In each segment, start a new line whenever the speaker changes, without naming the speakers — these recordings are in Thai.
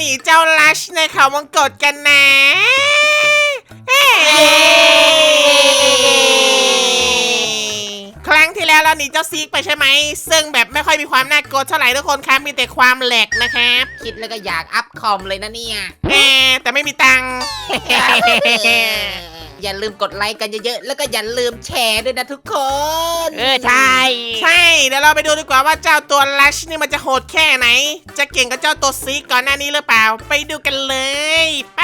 นีเจ้าลัชในเขาวงกตกันนะครั้งที่แล้วเราหนีเจ้าซีกไปใช่ไหมซึ่งแบบไม่ค่อยมีความน่ากลัวเท่าไหร่ทุกคนครับมีแต่ความแหลกนะครับ
คิดแล้วก็อยากอัพคอมเลยนะเนี่ย
แต่ไม่มีตังค์
อย่าลืมกดไลค์กันเยอะๆแล้วก็อย่าลืมแชร์ด้วยนะทุกคน
ใช่
ใช่เดี๋ยวเราไปดูดีกว่าว่าเจ้าตัวลัชนี่มันจะโหดแค่ไหนจะเก่งกับเจ้าตัวซีกก่อนหน้านี้หรือเปล่าไปดูกันเลยไป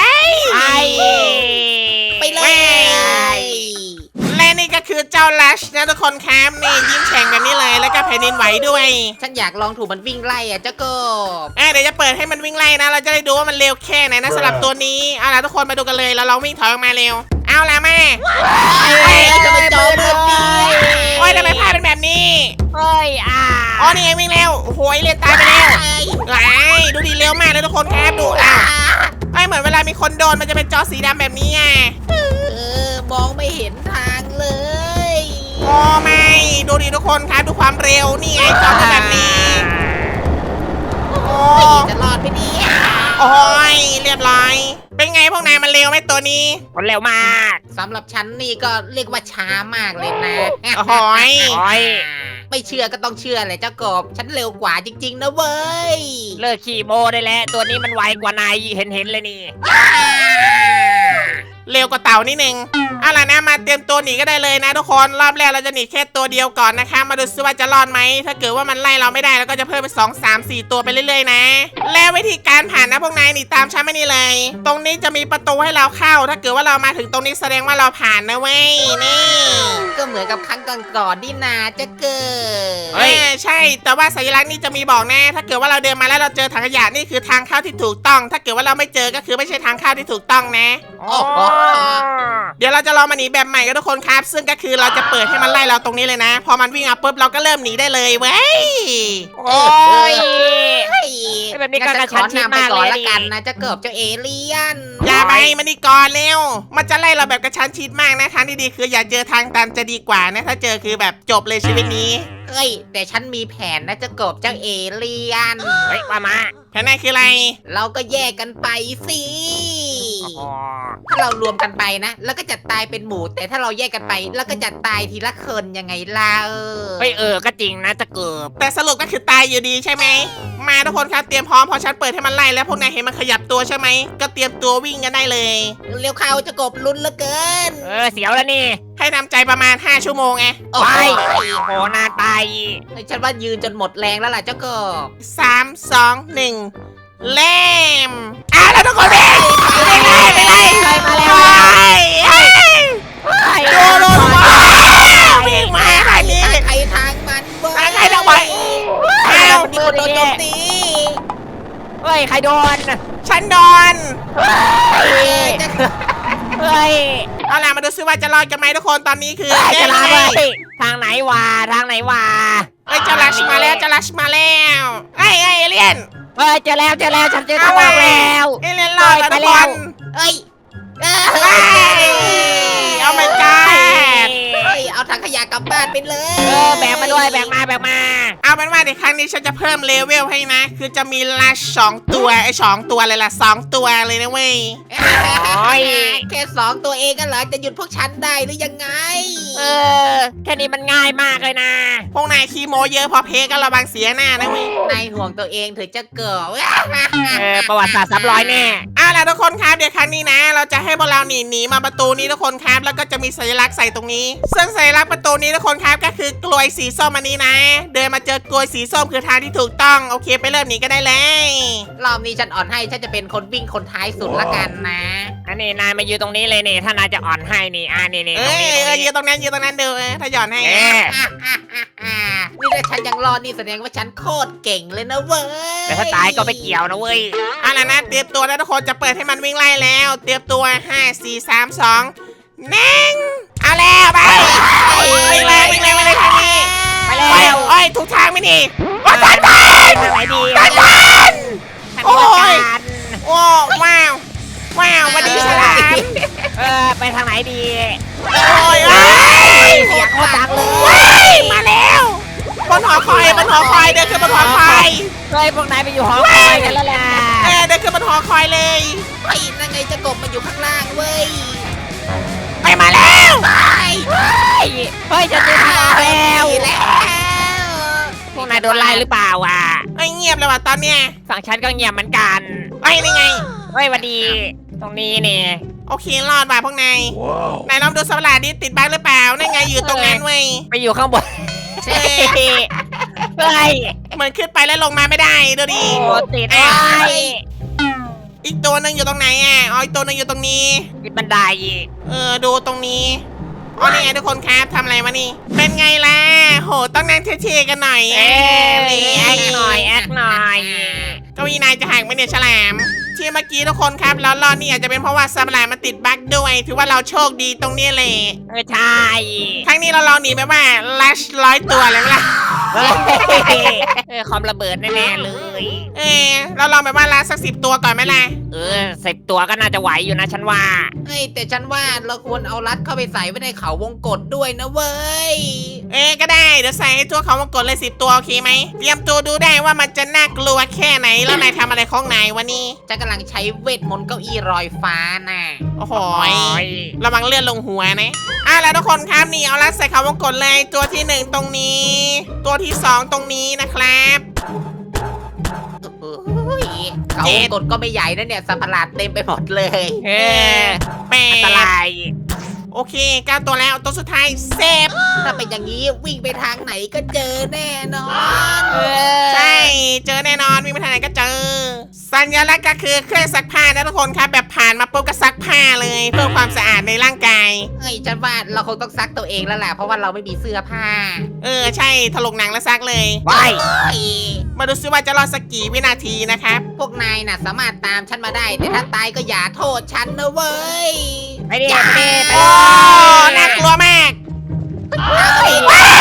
ไปเลย
และนี่ก็คือเจ้าลัชนะทุกคนครับนี่ยิ้มแฉ่งแบบนี้เลยแล้วก็แผ่นดินไหวด้วย
ฉันอยากลองถูกมันวิ่งไล่เจ้ากบ
เดี๋ยวจะเปิดให้มันวิ่งไล่นะเราจะได้ดูว่ามันเร็วแค่ไหนนะสำหรับตัวนี้เอาล่ะทุกคนมาดูกันเลยแล้วเราวิ่งถอยออกมาเร็วเอาล่ะแม่
จะไปจอมืดดี
โอ้ยทำไมภาพเป็นแบบนี้
เฮ้ย
อ๋อนี่ไงวิ่งเร็วโอ้โหเรียนตายไปแล้วไหลดูดีเร็วมากเลยทุกคนครับดูเหมือนเวลามีคนโดนมันจะเป็นจอสีดำแบบนี้ไง
มองไม่เห็นทางเลย
โอ้ไม่ดูดิทุกคนครับดูความเร็วนี่ไงจอเป็นแบบนี้โอ้
จะรอดไปเนี่ย
โอ้ยเรียบร้อยเป็นไงพวกนายมันเร็วไหมตัวนี้
คนเร็วมาก
สำหรับฉันนี่ก็เรียกว่าช้ามากเลยนะ
โอ้ย
ไม่เชื่อก็ต้องเชื่อเลยเจ้ากบฉันเร็วกว่าจริงๆนะเว้ย
เลิกขี่โมได้แล้วตัวนี้มันไวกว่านายเห็นเลยนี่
เร็วกว่าเต่านิดนึงเอาล่ะนะมาเตรียมตัวหนีก็ได้เลยนะทุกคนรอบแรกเราจะหนีแค่ตัวเดียวก่อนนะคะมาดูซิว่าจะรอดไหมถ้าเกิดว่ามันไล่เราไม่ได้เราก็จะเพิ่มไป2 3 4ตัวไปเรื่อยๆนะแล้ววิธีการผ่านนะพวกนายหนีตามฉันไม่นี่เลย ตรงนี้จะมีประตูให้เราเข้า ถ้าเกิดว่าเรามาถึงตรงนี้แสดงว่าเราผ่านนะเว้ยนี่
ก็เหมือนกับครั้งก่อนๆนี่นาจะเกิด
ใช่แต่ว่าสัญลักษณ์นี่จะมีบอกนะถ้าเกิดว่าเราเดินมาแล้วเราเจอถังขยะนี่คือทางเข้าที่ถูกต้อง ถ้าเกิดว่าเราไม่เจอก็คือไม่ใช่ทางเข้าที่ถูกต้องนะ
โอ้โห
เดี๋ยวเราจะลองมาหนีแบบใหม่กันทุกคนครับซึ่งก็คือเราจะเปิดให้มันไล่เราตรงนี้เลยนะ พอมันวิ่งมาปุ๊บเราก็เริ่มหนีได้เลยเว้ย
โอ้ย แบบนี้ก็
งั้
กระชั้นชิด
ขอนำไป
มาก
ก่อน
เลย
ละ
ดิ
กันนะเจะเกิบเจ้าเอเลี่ยน
อย่าไปมันนี่ก่อนเร็วมันจะไล่เราแบบกระชั้นชิดมากนะทางที่ดีคืออย่าเจอทางตันจะดีกว่านะถ้าเจอคือแบบจบเลยชีวิตนี้
เอ้ยแต่ฉันมีแผนนะเจะเกิบเจ้าเอเลี่ยน
เฮ้ยมา
แผนไหนคืออะไร
เราก็แยกกันไปสิ
อ๋อ
ถ้าเรารวมกันไปนะ แล้วก็จะตายเป็นหมู่แต่ถ้าเราแยกกันไป แล้วก็จะตายทีละคนยังไงล่ะ
เฮ้ยก็จริงนะจะเกิบ
แต่สรุปก็คือตายอยู่ดีใช่ไหมมาทุกคนครับเตรียมพร้อมพอฉันเปิดให้มันไล่แล้วพวกนายเห็นมันขยับตัวใช่ไหมก็เตรียมตัววิ่งกันได้เลย
เร็วเข้าเจะกบลุ้นเหลือเกิน
เสียวแล้วนี่
ให้ทำใจประมาณ5 ชั่วโมงไง
โอ้
ไป
ย
โหนานไป
ฉันว่ายืนจนหมดแรงแล้วล่ะเจ้ากบ
3 2 1เล่มแล้วทุกคนวิ่งไปเลย
มาแล้ว
ดูวิ่งมาทางนี้
ใครทางมันเว้ย
ทางใครทางมัน
มันมีคนโดนโจมตี
เฮ้ยใครโดน
ฉันโดน
เฮ้ย
เอาล่ะมาดูซิว่าจะรอดกันไหมทุกคนตอนนี้คือ
จะลาเลยทางไหนวะทางไหนวะ
จะลัชมาแล้วจะลัชมาแล้วเอเลี่ยน
เฮ้ยเจอแล้วฉันเจอทางออกแล้ว
เอเลี่ยนรอดแล้วทุกคน
เอ้ย
เอาไม่กล้า
เอาถังขยะกลับบ้านไปเลย
แบกมาด้วยแบกมา
เอาเป็นว่าในครั้งนี้ฉันจะเพิ่มเลเวลให้นะ คือจะมีลัช2 ตัว2 ตัวเลยล่ะ2 ตัวเลยนะเว้ย
แค่2 ตัวเองกันเหรอจะหยุดพวกฉันได้หรือยังไง
แค่นี้มันง่ายมากเลยนะ
พวกนายขี้โมเยอะพอเพก็ระวังเสียหน้านะเว้ย
นายห่วงตัวเองเถอะจะเกิด
ประวัติศาสตร์300แน่
เอาล่ะทุกคนครับเดี๋ยวครั้งนี้นะ เราจะให้พวกเราหนีมาประตูนี้ทุกคนครับแล้วก็จะมีสัญลักษณ์ใส่ตรงนี้ซึ่งสัญลักษณ์ประตูนี้ทุกคนครับก็คือกลวยสีส้มอันนี้นะ เดินมาเจอกลวยสีส้มคือทางที่ถูกต้องโอเคไปเริ่มหนีก็ได้เลย
รอบนี้ฉันอ่อนให้ฉันจะเป็นคนวิ่งคนท้ายสุดละกันนะ
อันนี้นายมาอยู่ตรงนี้เลยนี่ถ้านายจะอ่อนให้นี่นี่ตรงนี้
ยืนตรงนั้นดูถ้าหย่อนให้
นี่ถ้าฉันยังรอดนี่แสดงว่าฉันโคตรเก่งเลยนะเว้ย
แต่ถ้าตายก็ไม่เกี่ยวนะเว้ย
เอาล่ะนะเตรียมตัวนะทุกคนจะเปิดให้มันวิ่งไล่แล้ว เตรียมตัว5 4 3 2 1เอาแล้วไปวิ่งเลยทางนี้
ไปแล้ว
โอ้ยถูกทางไหมนี่ว่าทัน
ทางไหนดี
โอ้ยโอ้ว้าววันนี้ฉลาม
ไปทางไหนดี
โอ้ย
เสียงโคตรดังเลย
มาแล้วบนหอคอยเดินขึ้นบนหอคอย
เฮ้ยพวกนายไปอยู่หอคอยกันแล้วล่ะ
เดินขึ้นขึ้นบนหอคอยเลย
ไอ้ยนั่นไงเจะกบมันอยู่ข้างล่างเว้ย
ไปมาแล้ว
เฮ้ยจะเจอทางออกแล้ว
แล้ว
พวกนายโดนไล่หรือเปล่าอ่ะ
ไอ้เงียบเลยว่ะตอนเนี้ย
ฝั่งฉันก็เงียบเหมือนกัน
ไอ้นี่ไง
เฮ้ยหวันดี ตรงนี้นี่
โอเครอดว่ะพวกนายนายลองดูสัตว์ประหลาดดิติดบั๊กหรือเปล่านั่นไงอยู่ตรงนั้นเว้ย
ไปอยู่ข้างบน
เออ
เฮ้ย
เหมือนขึ้นไปแล้วลงมาไม่ได้ดูดิ
โอ้ติดไว้
อีกตัวหนึ่งอยู่ตรงไหนอ่ะอ๋ออีกตัวหนึ่งอยู่ตรงนี้
ติดบันได
ดูตรงนี้อ๋อนี่ไงทุกคนครับทำอะไรมานี่เป็นไงล่ะโหต้องนั่งเท่ๆกันหน่อย
เอ้ยแอคหน่อยแอคหน่อย
เก้าอี้นายจะหักไหมเนี่ยฉลามที่เมื่อกี้ทุกคนครับแล้วรอดนี่อาจจะเป็นเพราะว่าสัตว์ประหลาดมันติดบั๊กด้วยถือว่าเราโชคดีตรงนี้เลย
ใช่
ครั้งนี้เราลองหนีไปว่าลัช100 ตัวเลยไหมล่ะ
คอมระเบิดแน่ๆเลย
เราลองไปว่าลัชสัก10 ตัวก่อนไหมล่ะ
10 ตัวก็น่าจะไหวอยู่นะฉันว่า
เฮ้ยแต่ฉันว่าเราควรเอารัดเข้าไปใส่ไว้ในเขาวงกตด้วยนะเว้ย
ก็ได้เดี๋ยวใส่ให้ตัวเขามากดเลย10 ตัวโอเคไหมเตรียมตัวดูได้ว่ามันจะน่ากลัวแค่ไหนแล้วนายทำอะไรของนายวะนี่
ฉันกำลังใช้เวทมนต์เก้าอี้ลอยฟ้าน่ะ
โอ้โหระวังเลื่อนลงหัวนะแล้วทุกคนครับนี่เอาลัดใส่เขาวงกดเลยตัวที่ 1 ตรงนี้ ตัวที่ 2 ตรงนี้นะครับ
โอ้ยเขาวงกตก็ไม่ใหญ่นะเนี่ยสัตว์ประหลาดเต็มไปหมดเลย
แป
อันตรา
ด
ย
โอเค9 ตัวแล้วตัวสุดท้ายเซฟ
ถ้าเป็นอย่างนี้วิ่งไปทางไหนก็เจอแน่นอน
ใช่เจอแน่นอนวิ่งไปทางไหนก็เจอ สัญลักษณ์ก็คือเครื่องซักผ้านะทุกคนครับแบบผ่านมาปุ๊บก็ซักผ้าเลยเพื่อความสะอาดในร่างกาย
เฮ้ยฉันว่าเราคงต้องซักตัวเองแล้วแหละเพราะว่าเราไม่มีเสื้อผ้า
ใช่ถลกหนังแล้วซักเลย
ไป
เฮ้ย
มาดูซิว่าจะรอดสักกี่วินาทีนะครับ
พวกนายน่ะสามารถตามฉันมาได้ แต่ถ้าตายก็อย่าโทษฉันนะเว้ย
ไปดิไปดิไป
โอ้
ดิ
น่ากลัวมาก
เฮ้ย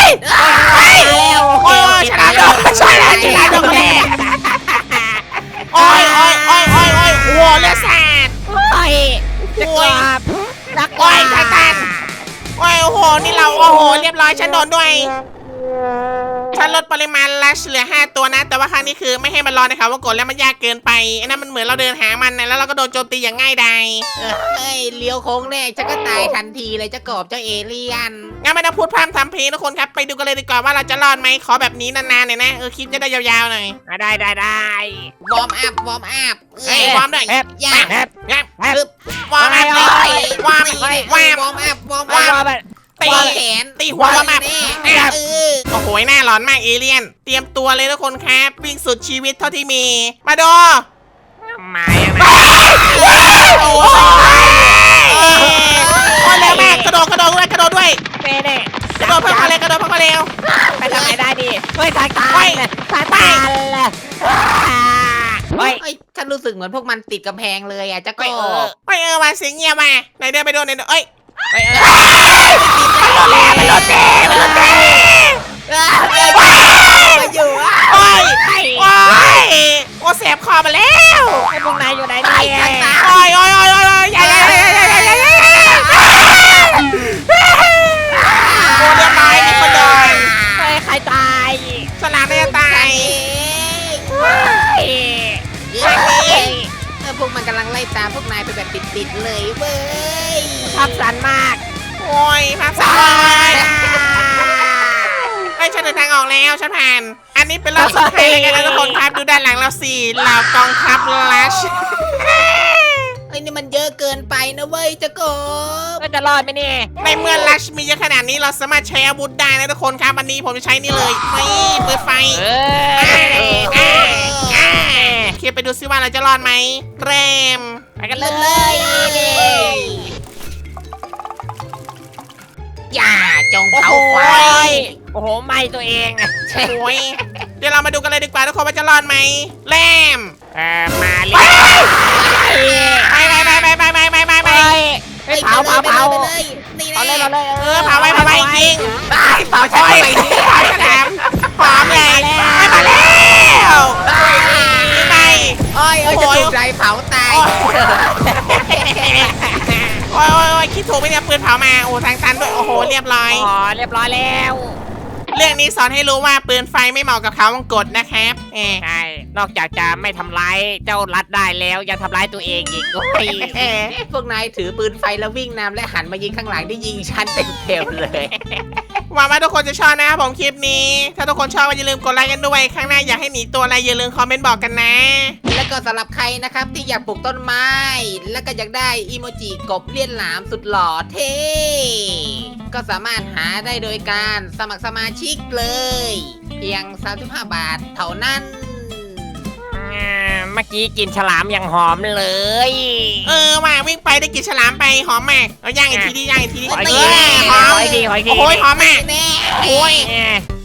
โอ้ยฉลามโดนฉลามโดนแม่โอ้ยโอ้ยโอ้ยโอ้ยโอ้ยโอ้โหเลือดสาด
โอ้ยจะกลับจะก
โอ้
ลั
ยทางตันโอ้ยโอ้โหนี่เราโอ้โหเรียบร้อยฉันโดนด้วย ฉันลดปริมาณลัชเหลือ5 ตัวนะ แต่ว่าครั้งนี้คือไม่ให้มันรอในเขาวงกตแล้วมันยากเกินไปไอ้นั่นมันเหมือนเราเดินหามันนะแล้วเราก็โดนโจมตีอย่างง่ายดาย
เฮ้ยเลี้ยวโค้งแรกฉันก็ตายทันทีเลยเจ้ากบเจ้าเอเลี่ยน
งั้นไม่ต้องพูดพร่ำทำเพลงทุกคนครับไปดูกันเลยดีกว่าว่าเราจะรอดไหมขอแบบนี้นานๆหน่อยนะคลิปจะได้ยาวๆหน่อย
ได้ได้ได้
วอร์มอัพวอร์มอัพ
เอ้ยวอร์มด้วย
แอบ
ย่า
แอบ
งับ
แอบ
วอร์มอัพเลยวอร์มวอร์ม
วอร์มอัพวอร์ม
ว่า
อัพ
ไป
ตี
วอร์มแขน
ตีหัววอร์มอัพ
แน่เออ
โอ้โหหน้าร้อนมากเอเลี่ยน เตรียมตัวเลยทุกคนครับวิ่งสุดชีวิตเท่าที่มี มาดู
มายังไง
โอ้ยโอ้ยเร็วมากกระโดดด้วยกระโดดด้วย
เป้เน่
กระโดดเพิ่มความเร็วกระโดดเพิ่มความเร็ว
ไปทางไหนได้ดิเฮ้ยทางตัน
เฮ้ย
ทางตันเฮ้ย
เอ้ยฉันรู้สึกเหมือนพวกมันติดกำแพงเลยอ่ะเจ้ากบ
ไม่มาเสียงเงียบมาไหนเดินไปโดนไหนเอ้ย
เฮ้ย
มันโดนเต้มันโดนเต้
มาอยู่อ่ะ
โอ้ยโอ้ยโอ้แสบคอมาแล้ว
ไอ้พวกนายอยู่ไหนเนี่ย
โอ้ยโอ้ยโอ้ยโอ้ยอย่าอย่าอย่าอย่าอย่าอย่าโอ้เรียบร้อยมีคนโดน
เฮ้ยใครตาย
ฉลามน่าจะตาย
เฮ้ย
พวกมันกำลังไล่ตามพวกนายไปแบบติดๆเลยเว้ย
ภาพสันมาก
โอ้ยภาพสวยไอ้ยฉันเดินทางออกแล้วฉันผ่าน อันนี้เป็นรอบสุดท้ายแล้วกันนะทุกคนครับดูด้านหลังเราสิเหล่ากองทัพลัช
ไอ้นี่มันเยอะเกินไปนะเว้ยเจ้ากบ
ก็จะรอดไหมเนี่ย
ในเมื่อลัชมีเยอะขนาดนี้เราสามารถใช้อาวุธได้นะทุกคนครับวันนี้ผมจะใช้นี่เลยนี่ปืนไฟ โอเคไปดูซิว่าเราจะรอดไหมเรม
ไปกันเล
เลย ยอย่าจงเผาไฟ
โอ้โหไหม่ตัวเอง
โอ้ยเดี๋ยวเรามาดูกันเลยดีกว่าทุกคนว่าจะรอดไหมเรม
มาเล
ไป
ย
ไป
เฮ้ยเผาเผา
ไปเลยนี่
เผาเลย
แน่
เผาเลย
เผาไว้จริง
เผาฉัน
โอ้ย
ไป
เผาฉลามหอมเลยมาแล้วไป
โอ้ยจะถูกใจเผาตาย
โอ้ยคิดถูกไหมเนี่ยปืนเผามาโอ้ทางตันด้วยโอ้โหเรียบร้อย
อ๋อเรียบร้อยแล้ว
เรื่องนี้สอนให้รู้ว่าปืนไฟไม่เหมาะกับเขาวงกตนะครับ
ใช่นอกจากจะไม่ทำร้ายเจ้ารัดได้แล้วยังทำร้ายตัวเองอีกโอ้ย
พวกนายถือปืนไฟแล้ววิ่งนำและหันมายิงข้างหลังได้ยิงฉันเต็มๆเลย
หวังว่าทุกคนจะชอบนะครับผมคลิปนี้ ถ้าทุกคนชอบก็อย่าลืมกดไลค์กันด้วยข้างหน้าอยากให้หนีตัวอะไรอย่าลืมคอมเมนต์บอกกันนะ
แล้วก็สำหรับใครนะครับที่อยากปลูกต้นไม้ แล้วก็อยากได้อีโมจิกบเลี่ยนหลามสุดหล่อเท่ก็สามารถหาได้โดยการสมัครสมาชิกเลย เพียง 35 บาทเท่านั้น
เมื่อกี้กินฉลามอย่างหอมเลย
ว่าวิ่งไปได้กินฉลามไปหอมมากเอาย่างอีกทีดิย่างอีกทีดิ
ขออีก
เอ
ที
อหอม
ขออีกทีขออีกที
โอ้ยหอมมาก
แน่
โอ้ย
เออ